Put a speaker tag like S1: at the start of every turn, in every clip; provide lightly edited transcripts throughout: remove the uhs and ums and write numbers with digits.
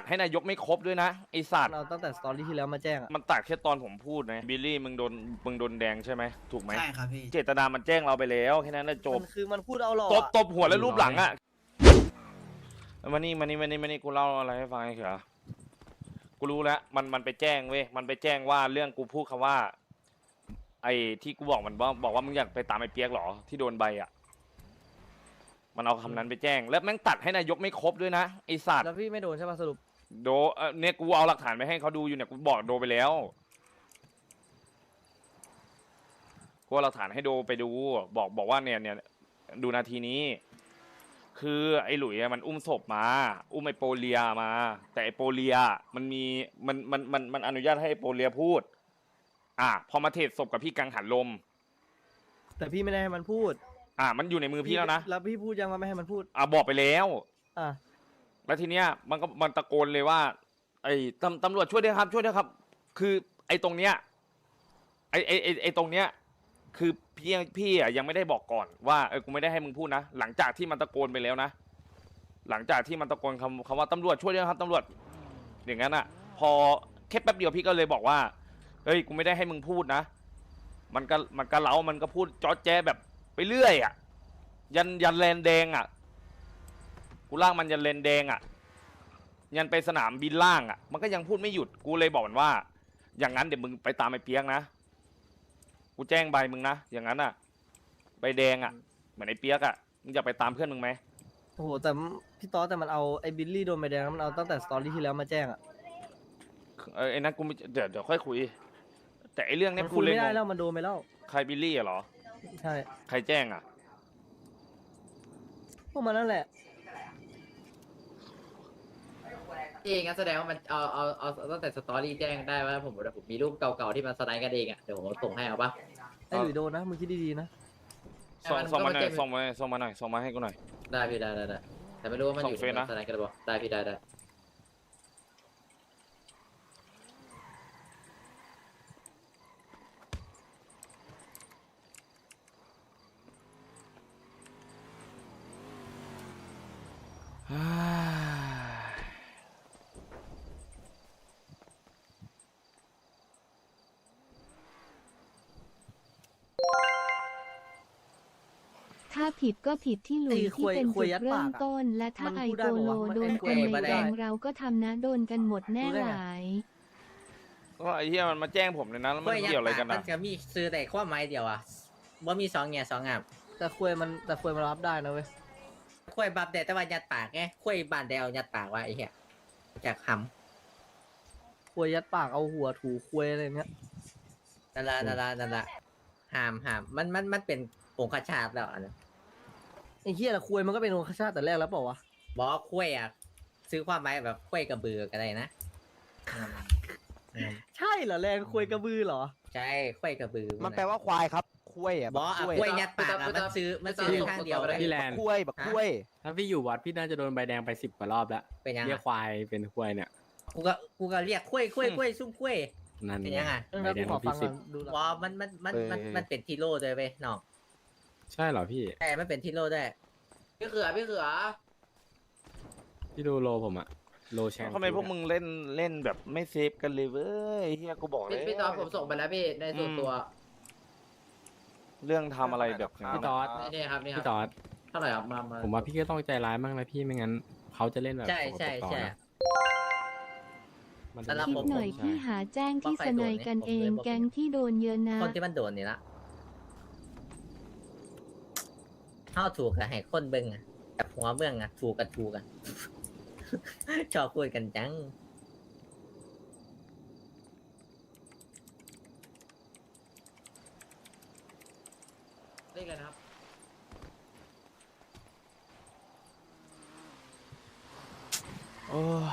S1: ให้นายกไม่ครบด้วยนะไอสัตว์
S2: เราตั้งแต่สตอรี่ที่แล้วมาแจ้งอะ
S1: มันตัดแค่ตอนผมพูดนะบิลลี่มึงโดนแดงใช่ไหมถูกไหม
S3: ใช่ครับพี่
S1: เจตนามันแจ้งเราไปแล้วแค่นั้นแหละจบ
S2: มันคือมันพูดเอาหรอ
S1: ตบหัวแล้วรูปหลังอ่ะมานี่กูเล่าอะไรให้ฟังไอ้เขียวกูรู้แล้วมันไปแจ้งเว้ยมันไปแจ้งว่าเรื่องกูพูดคำว่าไอ้ที่กูบอกมันบอกว่ามึงอยากไปตามไอ้เปียกหรอที่โดนใบอ่ะมันเอาคำนั้นไปแจ้งแล้วแม่งตัดให้นายกไม่ครบด้วยนะไอสัตว์
S2: แล้วพี่ไม่โดนใช่ป่ะสรุป
S1: โดเนี่ยกูเอาหลักฐานไปให้เขาดูอยู่เนี่ยกูบอกโดไปแล้วกูเอาหลักฐานให้โดไปดูบอกว่าเนี่ยดูนาทีนี้คือไอ้หลุยมันอุ้มศพมาอุ้มไอ้โปเลียมาแต่ไอ้โปเลียมันอนุญาตให้ไอ้โปเลียพูดพอมาเทรดศพกับพี่กังหันลม
S2: แต่พี่ไม่ได้ให้มันพูด
S1: มันอยู่ในมือพี่แล้วนะ
S2: แล้วพี่พูดยังว่าไม่ให้มันพูด
S1: บอกไปแล้ว
S2: อ่ะ
S1: แล้วทีเนี้ยมันตะโกนเลยว่าไอ้ตำรวจช่วยด้วยครับช่วยด้วยครับคือไอ้ตรงเนี้ยไอ้ตรงเนี้ยคือพี่ยังไม่ได้บอกก่อนว่ากูไม่ได้ให้มึงพูดนะหลังจากที่มันตะโกนไปแล้วนะหลังจากที่มันตะโกนคำว่าตำรวจช่วยด้วยครับตำรวจอย่างนั้นพอแค่แป๊บเดียวพี่ก็เลยบอกว่าเฮ้ยกูไม่ได้ให้มึงพูดนะมันก็เล้ามันก็พูดจ๊อดแจ๊แบบไปเรื่อยยันแลนแดงกูล่างมันยันเลนแดงยันไปสนามบินล่างมันก็ยังพูดไม่หยุดกูเลยบอกมันว่าอย่างนั้นเดี๋ยวมึงไปตามไอ้เปียกนะกูแจ้งใบมึงนะอย่างนั้นใบแดงเหมือนไอ้เปียกมึงจะไปตามเพื่อนมึงไหม
S2: โอ้โหแต่พี่ต๊อดแต่มันเอาไอ้บิลลี่โดนใบแดงมันเอาตั้งแต่สตอรี่ที่แล้วมาแจ้งอะ
S1: ไอ้นั้นกูเดี๋ยวค่อยคุยแต่ไอ้เรื่องเนี้ย
S2: มัน
S1: กู
S2: คุย
S1: เลย
S2: ไม่ได้
S1: ง
S2: แล้ว
S1: ง
S2: มันโดนไปแล้ว
S1: ใครบิลลี่เหรอ
S2: ใช่
S1: ใครแจ้ง
S2: พวกมันนั่นแหละ
S4: เองงั้นแสดงว่ามันเอาตั้งแต่สตอรี่แจ้งได้ว่าผมมีรูปเก่าๆที่มันสไลด์กันเองเดี๋ยวผมส่งให้เอาปะ
S2: ไอ้หลุยโดนนะมึงคิดดีๆนะ
S1: ส่งมาหน่อยส่งมาให้กูหน่อย
S4: ได้พี่ได้แต่ไม่รู้ว่ามันอยู่
S1: ส่งเฟซนะ
S4: สไลด์กันหรือเปล่าได้พี่ได้
S5: ถ้าผิดก็ผิดที่หลุย
S2: ไอ้
S5: ที่เป็น
S2: ค
S5: จุ
S2: วย
S5: ด
S2: ยัด
S5: เริ่
S2: ปาม ก
S5: ต้น และถ้า
S2: มัน
S5: ไอ
S2: พูดได้
S5: โก
S2: ปะ
S5: โล
S2: วะ
S5: โดน
S2: ไอ้
S5: คนใน
S2: ควย
S5: แดงเราก็ทำนะโดนกันหมดแน่
S2: รู้ได้
S5: ห
S2: ไง
S5: ลาย
S1: ก็ไอ้เหี้ยมันมาแจ้งผมเลยนะแล้วมันเกี่ยวอะไรกัน
S6: มันจะมีซื้อแต่ความหมายเดียวว่ามี2 แง่ 2 งาม
S2: แต่ควยมันรับได้นะเว้ย
S6: คุยบับแต่ว่ายัดปากไงคุยบานแดวยัดปากว่าไอ้เหี้ยจากห
S2: ควยยัดปากเอาหัวถูควยอะไรเงี้ย
S6: ำนั่นละห้ามมันเป็นองคชาตแล้วอันนั้น
S2: ไอ้เหี้ยละควยมันก็เป็นองคชาตแต่แรกแล้วเปล่าวะ
S6: บอกว่าคุยซื้อความหมายแบบคุยกระบือก็ได้นะ
S2: ใช่เหรอแรงควยกระบือเหรอ
S6: ใช่คุยกระบือ
S7: มันแปลว่าควายครับคุ้ย
S6: บอกคุยยัดปากมันซื้อข้างเดียวเลย
S8: พี่แลนด์
S7: คุ้ยแบบคุ้ย
S8: ถ้าพี่อยู่วัดพี่น่าจะโดนใบแดงไป10 กว่ารอบแล้ว
S6: เป็นยัง
S8: เรียกควายเป็นควายเนี่ย
S6: กูก็เรียกคุยซุ่มคุย
S8: นั่น
S6: เป็นยังไง
S8: ใบแดง
S2: ขอ
S8: ของ
S2: ฟั
S8: พี่
S2: งก่อนดูหลัก
S6: บอกมันเป็นทีโร่ด้วยเว้ยน้อง
S8: ใช่เหรอพี่
S6: ใช่มันเป็นทีโร่ด้วย
S4: พี่เขือ
S8: พี่ดูโลผมอะโลแชง
S1: ทำไมพวกมึงเล่นแบบไม่เซฟกันเลยเว้ยเฮียกูบอกเลย
S4: พี่ตอนผมส่งไปแล้วพี่ในส่วนตัว
S1: เรื่องทำอะไรแบบนี้
S8: พี่ตอด
S4: นี่ครับ
S8: พี่ตอด
S4: เท่าไหร่ครับมา
S8: ผมว่าพี่ก็ต้องใจร้ายมากนะพี่ไม่งั้นเขาจะเล่นแบบ
S6: ใช่
S8: สกปรกต่อนะมัน
S6: แต่
S8: จะ
S6: ละ
S5: คิดหน่อย
S8: ใช่
S5: พี่หาแจ้งที่สนายกันเองแก๊งที่โดนเยอะนะ
S6: คนที่มันโดนนี่ละเข้าถูกกับให้คนเบิ่งกับหัวเบิ่งถูกกัน ชอบพูดกันจัง
S4: เรียกอะไรนะครับ
S1: โอ้ย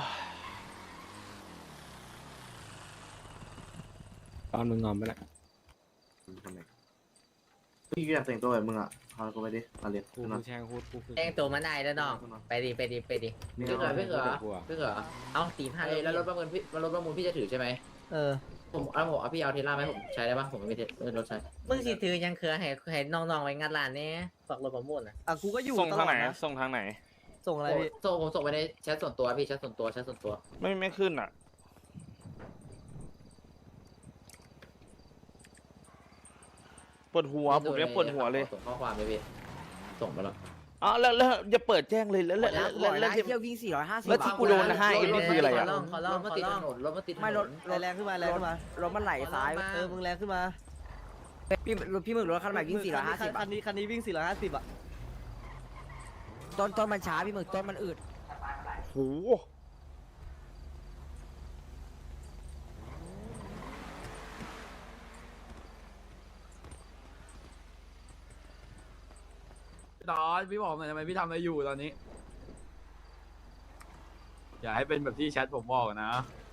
S8: ตอนมึงงอมไปแล้ว
S3: พี่อยากแต่งตัวแบบมึงพากูไปดิมาเรียน
S8: กูแชงพูดกูคือ
S6: แต่งตัวมาได้แล้วน้องไปดิ
S4: พี่เขือ
S6: เอาตีผ้าเลย
S4: แล้วรถประมูลพี่จะถือใช่ไหม
S2: เออ
S4: ผมเอาพี่เอาเทสลาไหมผมใช้ได้ปะผมไม่มีรถใช้
S6: มึงสิถือยังคือให้น้องๆไว้งานร้านนี้ฝากรถประมูล
S2: กูก็อยู่
S1: ส่ง
S2: ต
S1: ทาง
S2: ลอ
S1: ไห
S2: ด
S1: น
S2: นะ
S1: ส่งทางไหน
S2: ส่งอะไรพี่
S4: ผมส่งไปในแชทส่วนตัวพี่แชทส่วนตัว
S1: ไม่ขึ้นอ่ะปวดหัวผมยังปวดหัวเลย
S4: ส่งข้อความเลยพี่ส่งไปแล้ว
S1: อ๋อแล้วอย่าเปิดแจ้งเลยแล้ว
S6: เที่ยววิ่ง450
S1: แล้วที่กูโดนนะ5Mนี่คืออะไรอ่ะ
S6: ขอลอง
S4: รถมันติดถนนรถมันติดถนน
S6: ไม่รถ
S2: แรงขึ้นมาแรงขึ้นมาร
S6: ถมันไหลซ้าย
S2: มึงแรงขึ้นมา
S6: พี่มึงรถคันใหม่วิ่ง450
S2: คันนี้วิ่ง450อ่ะ
S6: ต้นมันช้าพี่มึงต้นมันอืด
S1: โห
S9: ตอนพี่บอกหน่อยทำไมพี่ทำอะไรอยู่ตอนนี้ อย่าให้เป็นแบบที่แชทผมบอกนะ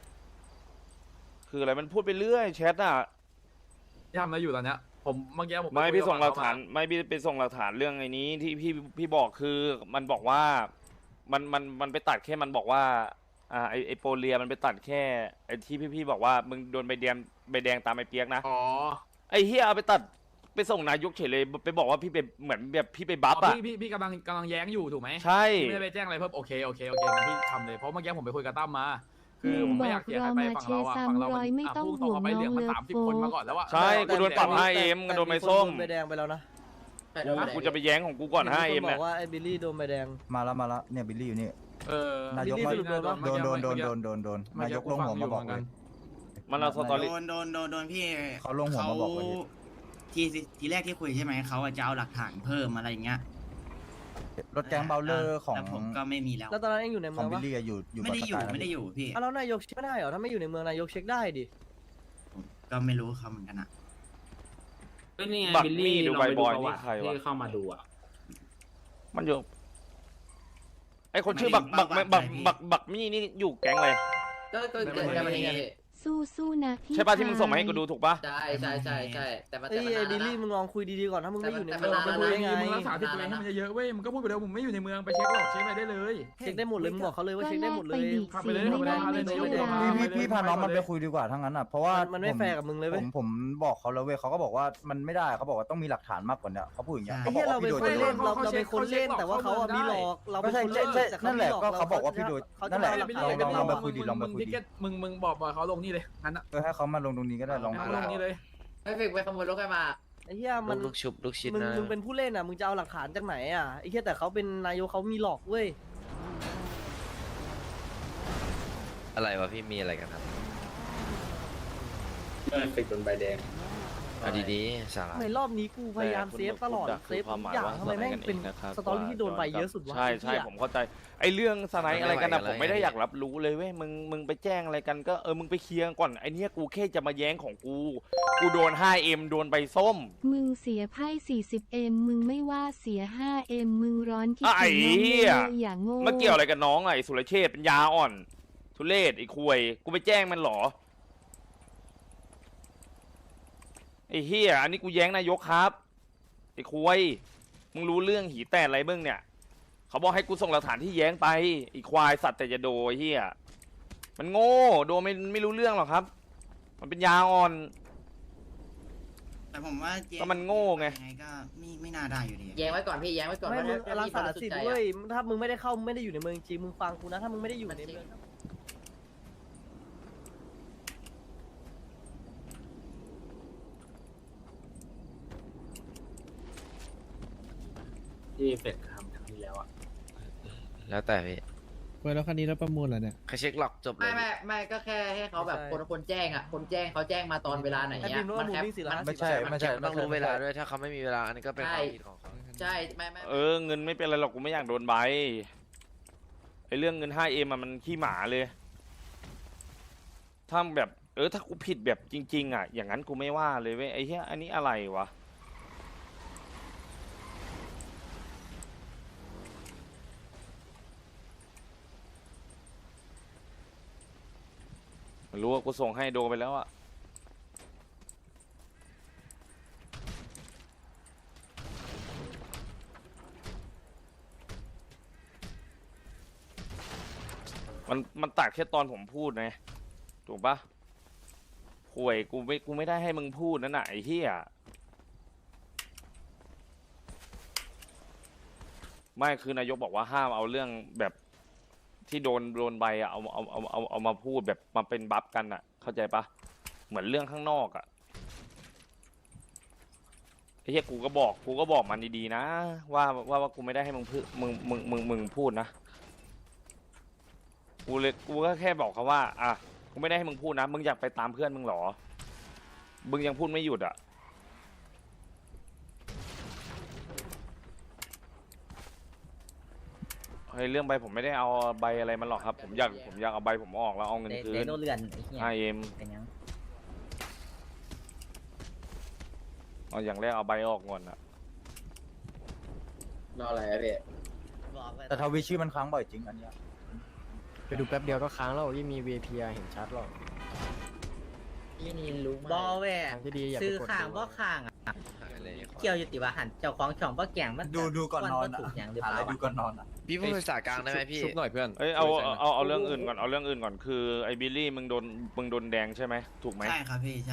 S1: คืออะไรมันพูดไปเรื่อยแชทอ่ะ
S9: ที่ทำอะไรอยู่ตอนเนี้ยผมเมื่อกี้ผม
S1: ไม่
S9: คุย
S1: พี่
S9: กับ
S1: ส่งหลัก
S9: เข
S1: ฐานไม่พี่ไปส่งหลักฐานเรื่องไอ้นี้ที่พี่บอกคือมันบอกว่ามันไปตัดแค่มันบอกว่าไอโปเลียมันไปตัดแค่ไอที่พี่บอกว่ามึงโดนใบแดงตามไอเปียกนะ
S9: อ๋อ
S1: ไอเฮียเอาไปตัดไปส่งนายกเฉยเลยไปบอกว่าพี่ไปเหมือนแบบพี่ไปบัฟอ่ะ
S9: พี่กำลังแย้งอยู่ถูกไหม
S1: ใช่
S9: พี่ไม่ได้ไปแจ้งอะไรเพิ่มโอเคงั้นพี่ทำเลยเพราะเมื่อกี้ผมไปคุยกับตั้มมา คือผม
S5: บ
S9: ไม่
S5: อ
S9: อยาก
S5: ก
S9: เสีย
S5: รอ
S9: ใครไป
S5: มา
S9: ฝั่ง
S5: เช
S9: เราอะ
S5: ซ้
S9: ฝั่งเรา
S5: ำร้อยไม่ต้อง
S9: พูดตร
S5: ห่
S9: ง
S5: วง
S9: เอาไปเหลื
S5: น้
S9: อ
S5: อง ง
S9: มัน
S5: เลิฟ
S9: 30
S5: โฟ
S9: คนมาก่อนแล้วอะ
S1: ใช่กูโดนปรับ 5M ก็โดนใบส้ม
S2: ใบแดงไปแล้วนะ
S1: กูจะไปแย้งของกูก่อน 5M
S2: บ
S1: เนี่
S2: อย กว่าไอ้บิลลี่โดนใบแดง
S10: มาแล้วเนี่ยบิลลี่อยู่นี่
S9: นาย
S10: ก
S2: บิลลี่
S10: มา
S2: สรุปโดนปะ
S10: โดนนายกลงหัวมาบอกเลย
S1: มันเอาสตอรี่
S11: โดนพี่
S10: เขาลงหัวมาบอกเลย
S11: ทีแรกที่คุยใช่ไหมเขาจะเอาหลักฐานเพิ่มอะไรอย่างเงี้ย
S10: รถแก๊งเบลเลอร์ของ
S11: แล้วผมก็ไม่มีแล้ว
S2: แล้วตอนนั้นเองอยู่ใน
S10: ข
S2: เมื
S10: อ
S2: อง ง
S10: บิล
S2: ปะ
S10: ลี่อะอยู่
S11: ไม่ได้อยู่
S10: บนสกา
S11: ไม่ได้อยู่พี่
S2: แล้วนายกเช็คไม่ได้เหรอถ้าไม่อยู่ในเมืองนายกเช็คได้ดิ
S11: ผมก็ไม่รู้เขาเหมือนกันอะ
S1: บักมี่ดูใบบอยนี่ใครวะ
S8: เข้ามาดูอ่ะ
S1: มันอยู่ไอคนชื่อบักมี่นี่อยู่แก๊งอะไร
S4: ก็เกิดกันมาเองไง
S5: สู้ๆนะพี่
S1: ใช่ป่ะที่มึงส่งมาให้กูดูถูกป่ะ
S4: ใช่แต่มัน
S2: เอ้ย
S4: นาน
S2: ไอ้บิล
S4: แล้
S2: ลี่
S4: ว
S2: มึงลองคุยดีๆก่อนถ้ามึงไม่อยู่ในเมือง
S4: แต่
S2: มึง
S4: มัน
S2: คุย
S4: นาน
S2: ได้ไง
S9: มึงรักษาสิทธิ์ตัวเองให้มันเยอะๆเว้ยมึงก็พูดไปเดี๋ยวผมไม่อยู่ในเมืองไปเช็คหรอกเช็คอะไรได้เลย
S2: เช็คได้หมดเลยมึงบอกเขาเลยว่า
S5: ก็
S2: เช็ค
S5: แล
S2: ได้ห
S5: ก
S2: มดเล
S5: ไป
S2: ย
S5: ดิ
S9: ขับ
S5: เสี
S9: ไป
S5: ย
S9: เลย
S5: ไม่ได้
S9: ขับไปเลย
S5: ไม่ใช่
S9: เดี๋ยว
S5: เรา
S10: พี่พาน้องมันไปคุยดีกว่าทั้งนั้นอ่ะเพราะว่า
S2: มันไม่แฟร์กับมึงเลยเว้ย
S10: ผมบอกเขาแล้วเว้ยเขาก็บอกว่ามันไม่ได้เขาบอกว่าต้องมีหลักฐานมากกว่านี้เขาพูดอย่างเงี้ย
S2: ไอ้เหี้ยเราเป็นคนเล่น
S10: เขา
S2: เราเป็นคนเล่นแต่ว่าเขาอะมีหลอกเราเป็นคนเล่นแต่
S10: นั่นแหละก็เขาบอกว่าพี่โดย
S2: เขา
S10: นั่
S2: จะ
S10: นแหละ
S2: เอาหลักฐาน
S10: ลองไปคุยดิลองไปคุย
S9: ทิ
S10: ดิ
S9: เก็ตมึงบอกเขาลงนี่เลยงั้นอะ
S10: ให้เขามาลงตรงนี้ก็ได้ลอง
S9: ลงนี่เลย
S4: ไม่เฟกไปขโมยรถใครมา
S2: ไอ้เหี้ยมัน
S8: ลูกชุบลูกชิ้น
S2: มึงเป็นผู้เล่นอ่ะมึงจะเอาหลักฐานจากไหนอ่ะไอ้เหี้ยแต่เขาเป็นนายกเขามีหลอกเว้ย
S8: อะไรวะพี่มีอะไรกันครับเป็นโดนใบแดงเอาดีๆสาระ
S2: ทำไมรอบนี้กูพยายามเซฟตลอดเซฟทุกอย่างทำไมแม่งเป็นสตอรี่ที่โดนใบเยอะสุดวะ
S1: ใช่
S2: ไอ้เหี้ย
S1: ผมเข้าใจไอเรื่องสไนด์อะไรกันนะ
S8: ไม่ไหว
S1: ผมไม่ได้
S8: อะไร
S1: อยากรับรู้เลยเว้ยมึงไปแจ้งอะไรกันก็มึงไปเคลียร์ก่อนไอเนี้ยกูแค่จะมาแย้งของกูโดน 5M โดนใบส้ม
S5: มึงเสียไพ่ 40M มึงไม่ว่าเสีย 5M มึงร้อนคิด
S1: ไอ้
S5: ถึงน้อง
S1: เหี้ย
S5: เลยอย่าโง่
S1: มาเกี่ยวอะไรกับน้องอะไอสุรเชษฐ์เป็นยาอ่อนทุเรศไอควยกูไปแจ้งมันเหรอไอเฮียอันนี้กูแย้งนายกครับไอควยมึงรู้เรื่องหีแตกอะไรบ้างเนี่ยเขาบอกให้กูส่งหลักฐานที่แย้งไปไอควายสัตว์แต่จะโดไอ้เฮียมันโง่โดไม่รู้เรื่องหรอกครับ มันเป็นยาอ่อน
S11: แต่ผมว่า
S1: ก็มันโง่ไง
S11: ยังไงก็ไม่น่าได้อยู่ดี
S4: แย้งไว้ก่อนพี่แย้งไว้ก่อน
S2: ไม่มึง
S4: ถ้
S2: รักษา
S4: พี่บริ
S2: สิท
S4: ใจ
S2: ธิ์
S4: อะ
S2: เว้ยถ้ามึงไม่ได้เข้าไม่ได้อยู่ในเมืองจริงมึงฟังกูนะถ้ามึงไม่ได้อยู่ในเมือง
S8: ที่เฟกทำครั้งที่แล้วอ่ะแล้วแต่พี่
S12: เว้ยแล้วคันนี้เราประมูลเหรอเนี่ย
S8: ใครเช็คหลอกจบเล
S4: ไม่
S8: ย
S4: ไม่ก็แค่ให้เขาแบบคนแจ้งอ่ะคนแจ้งเขาแจ้งมาตอนเวลาไหน
S2: ไอ้
S4: เนี้
S2: บิ
S4: ย
S2: มรู้
S4: มั
S2: ว่าน มึง
S4: แคป
S2: วิ่ง450
S10: ไม่ใช่ไม่ใช่
S8: ต้องรู้เวลาด้วยถ้าเขาไม่มีเวลาอันนี้ก็เป็นความผิดของเขา
S4: ใช่ไม่
S1: เงินไม่เป็นไรหรอกกูไม่อยากโดนใบไอเรื่องเงิน 5M อะมันขี้หมาเลยถ้าแบบถ้ากูผิดแบบจริงๆอะอย่างนั้นกูไม่ว่าเลยเว้ยไอ้เหี้ยอันนี้อะไรวะไม่รู้ว่ากูส่งให้โดไปแล้วอะมันตัดแค่ตอนผมพูดไงถูกปะห่วยกูไม่ได้ให้มึงพูดนั่นน่ะไอ้เหี้ยไม่คือนายกบอกว่าห้ามเอาเรื่องแบบที่โดนใบอะเอามาพูดแบบมาเป็นบัฟกันอะเข้าใจปะเหมือนเรื่องข้างนอกอะไอ้เหี้ยกูก็บอกมันดีๆนะว่ากูไม่ได้ให้มึงพูดนะกูก็แค่บอกเขาว่าอ่ะกูไม่ได้ให้มึงพูดนะมึงอยากไปตามเพื่อนมึงหรอมึงยังพูดไม่หยุดอ่ะเฮ้ยเรื่องใบผมไม่ได้เอาใบอะไรมันหรอกครับผมอยากเอาใบผมออกแล้วเอาเงินคืน
S6: โนเรือนไอ้เหี้ย
S1: 5M
S6: เป็นยัง
S1: เอาอย่างแรกเอาใบออกก่อนอ่ะ
S4: รออะไรอะพี่
S6: บอกเลย
S10: แต่ทวิตชื่อมันค้างบ่อยจริงอันเนี้ย
S12: ไปดูแป๊บเดียวก็ค้างแล้วยิ่งมี VIP เห็นชัดหรอก
S4: พี่นินรู้ไหม
S6: บอแหว
S12: ทางที่ดีอย่าไป
S6: ซื้อก
S12: ด
S6: ข้าง
S12: ดู
S6: บ่ข้างอ่ะ
S8: หายเลย
S6: เกี่ยวอยู่ติว่าหันเจ้าของช่องบ่แก่งมัน
S10: ดูก่อนนอน
S6: ถูกอย่างหรือ
S10: หา
S6: เป
S10: อะไร
S6: ล่า
S10: ดูก่อนนอนอ่ะ
S8: พี่พูดภาษากลางได้ไหมพี่
S9: ชุบหน่อยเพื่อน
S1: เอ้ยเอาเรื่องอื่นก่อนเอาเรื่องอื่นก่อนคือไอ้บิลลี่มึงโดนแดงใช่ไหมถูกไหม
S11: ใช่ครับพี่ใช่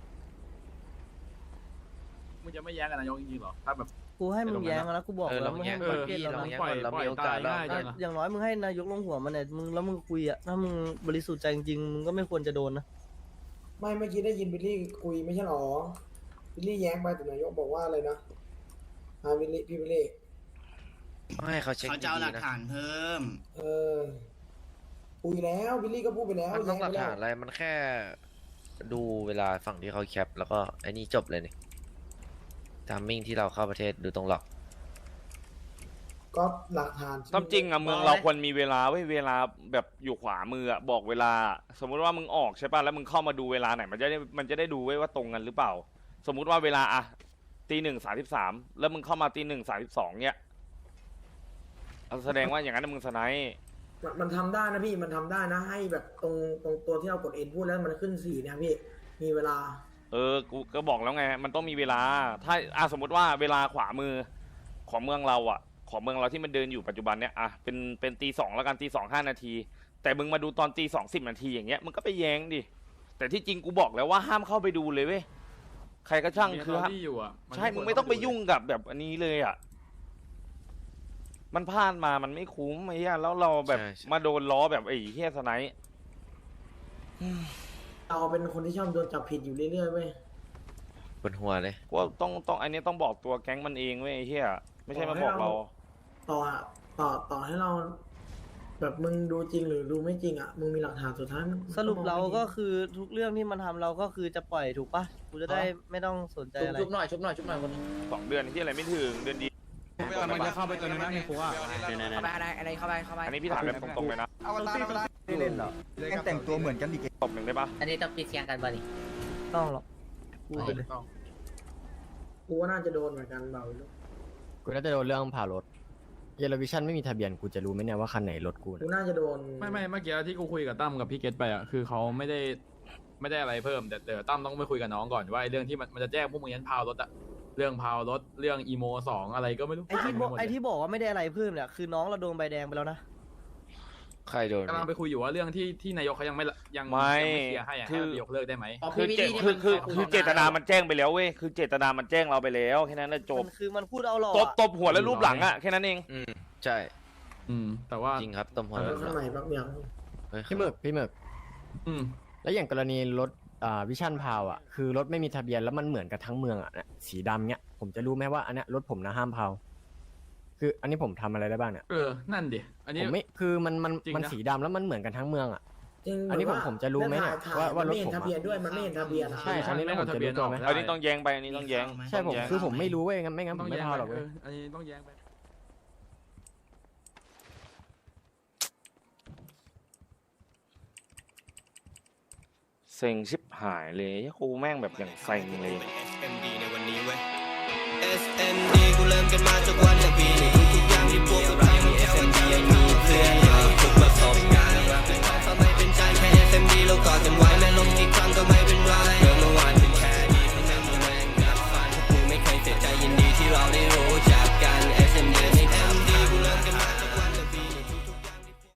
S9: มึงจะไม่แย้งกับนายกจริงๆหรอถ้าแบบ
S2: กูให้มึงแย้งแล้วกูบอก
S8: เออ
S2: แล้
S8: เรา
S2: วมึง
S8: แย่
S2: ให้
S8: ง
S2: มึง
S8: ก่อน
S2: เก็ต
S8: พี่
S2: แล้ว
S8: เรา
S2: นะ
S8: แย่งก่อนเรามีโอกาสแล้ว
S9: จังอะ
S2: อย่างน้อยมึงให้นายกลงหัวมันเนี่ยมึงแล้วมึงคุยอ่ะถ้ามึงบริสุทธิ์ใจจริงๆมึงก็ไม่ควรจะโดนนะ
S13: ไม่เมื่อกี้ได้ยินบิลลี่คุยไม่ใช่หรอ บิลลี่แย้งไปแต่นายกบอกว่าอะไรนะบิลลี่พี่บิลลี่
S8: ต้องให้เขาเช็ค
S11: เขาจะเอาห
S8: ดี
S11: ลัก
S8: ๆนะ
S13: Ờ,
S11: ฐานเพิ่ม
S13: คุยแล้วบิลลี่ก็พูดไปแล้ว
S8: มันต้องหลัก
S13: แย้
S8: ฐาน
S13: ไป
S8: อะไรมันแค่ดูเวลาฝั่งที่เขาแคปแล้วก็ไอ้นี่จบเลยนี่ทามมิ่งที่เราเข้าประเทศดูตรงหลอก
S13: ก็หลักฐาน
S1: ตามจริงอะเมืองเราควรมีเวลาไว้เวลาแบบอยู่ขวามืออะบอกเวลา สมมุติว่ามึงออกใช่ป่ะแล้วมึงเข้ามาดูเวลาไหนมันจะได้ดูไว้ว่าตรงกันหรือเปล่า สมมุติว่าเวลาอะ1:33แล้วมึงเข้ามา1:32เนี้ยแสดงว่าอย่างนั้นมึงสไนป์
S13: มันทำได้นะพี่มันทำได้นะ ให้แบบตรงตัวที่เรากดเอ็นพูดแล้วมันขึ้นสีเนี่ยพี่มีเวลา
S1: กูก็บอกแล้วไงมันต้องมีเวลาถ้าสมมุติว่าเวลาขวามือของเมืองเราอะของเมืองเราที่มันเดินอยู่ปัจจุบันเนี้ยอะเป็น2:00แล้วกัน2:05นาทีแต่มึงมาดูตอน2:10นาทีอย่างเงี้ยมึงก็ไปแย้งดิแต่ที่จริงกูบอกแล้วว่าห้ามเข้าไปดูเลยเว้ยใครก็ช่างคือห้าม
S9: ที่อยู่อ่ะ
S1: ใช่มึงไม่ต้องไปยุ่งกับแบบอันนี้เลยอะมันพลาดมามันไม่คุ้มไอ้เหี้ยแล้วเราแบบมาโดนล้อแบบไอ้เหี้ยสไนป์
S13: เราเป็นคนที่ชอบโดนจับผิดอยู่เรื่อยๆเว้ย
S8: บนหัวเลย
S1: กูว่าต้องอันนี้ต้องบอกตัวแก๊งมันเองเว้ยไอ้เหี้ยไม่ใช่มาบอกเรา
S13: ต่อให้เรา แบบมึงดูจริงหรือดูไม่จริงอ่ะมึงมีหลักฐานสุดท้ายมัน
S2: สรุปเราก็คือทุกเรื่องที่มันทำเราก็คือจะปล่อยถูกปะกูจะได้ไม่ต้องสนใจอะไร
S4: ชุบหน่อยคน
S1: 2 เดือนที่อะไรไม่ถึงเดือนดี
S9: มันจะเข้าไปตัวนึงนะในคุกอ่ะ
S6: อะไรเข้าไป
S1: อันนี้พี่ถามแบบตรงๆเลยนะ
S10: ไม่เล่นหรอแม่งแต่งตัวเหมือนกันอีก
S1: ตบหนึ่งได้ปะ
S6: อันนี้ต้องปิดเสียงกันบ่นี่
S2: ต้องหรอกพูดไปเลย
S13: กูว่าน่าจะโดนเหมือนกันเบาลูก
S12: กูน่าจะโดนเรื่องผ่ารถเยลวิชั่นไม่มีทะเบียนกูจะรู้ไหมเนี่ยว่าคันไหนรถกู
S13: กูน่าจะโดน
S9: ไม่เมื่อกี้ที่กูคุยกับตั้มกับพี่เกตไปอ่ะคือเขาไม่ได้อะไรเพิ่มแต่เดี๋ยวตั้มต้องไปคุยกับน้องก่อนว่าไอ้เรื่องที่มันจะแจ้งพวกมึงยันพาวรถอะเรื่องพาวรถเรื่องอีโม2อะไรก็ไม่รู้
S2: ไอ้ที่บอกว่าไม่ได้อะไรเพิ่มเนี่ยคือน้องเราโดนใบแดงไปแล้วนะ
S8: ใครโดน
S9: กำลังไปคุยอยู่ว่าเรื่องที่นายกเขายังไม่เคลียร์ให้อะให้ยกเลิกได้ไหม
S1: คือเจตนามันแจ้งไปแล้วเว้ยคือเจตนามันแจ้งเราไปแล้วแค่นั้นแหละจบ
S2: มันคือมันพูดเอาหลอก
S1: ตบหัวแล้วรูปหลังอะแค่นั้นเอง
S8: ใช่
S9: แต่ว่า
S8: จริงครับตบหัว
S13: แล้วข้างในแป๊บเดียว
S12: พี่หมึกแล้วอย่างกรณีรถวิชั่นพาวอ่ะคือรถไม่มีทะเบียนแล้วมันเหมือนกันทั้งเมืองอ่ะเนี่ยสีดำเนี้ยผมจะรู้ไหมว่าอันเนี้ยรถผมนะห้ามพาวคืออันนี้ผมทำอะไรได้บ้างเนี่ย
S9: นั่นดิอันนี้
S12: ผมไม่คือมันสีดำแล้วมันเหมือนกันทั้งเมืองอ่ะ อันนี้ผมจะรู้ไหมเนี่ยว่ารถผม
S13: ไม่เห็นทะเบียนด้วยมันไม่เห็นทะเบียน
S12: ใช่อันนี้ผมจะรู้ตัวไหม
S1: อันนี้ต้องแย้งไปอันนี้ต้องแย้ง
S12: ใช่ผมคือผมไม่รู้เว้ยงั้นไม่งั้นผมไม่พาวหรอกเว้ย
S9: อันนี้ต้องแย้งไป
S1: เซ็งชิบหายเลยกูแม่งแบบอย่างเซ็งเลย
S11: SMD ในวันนี้เว้ย SMD กูเริ่มกันมาจากวันละปีนี้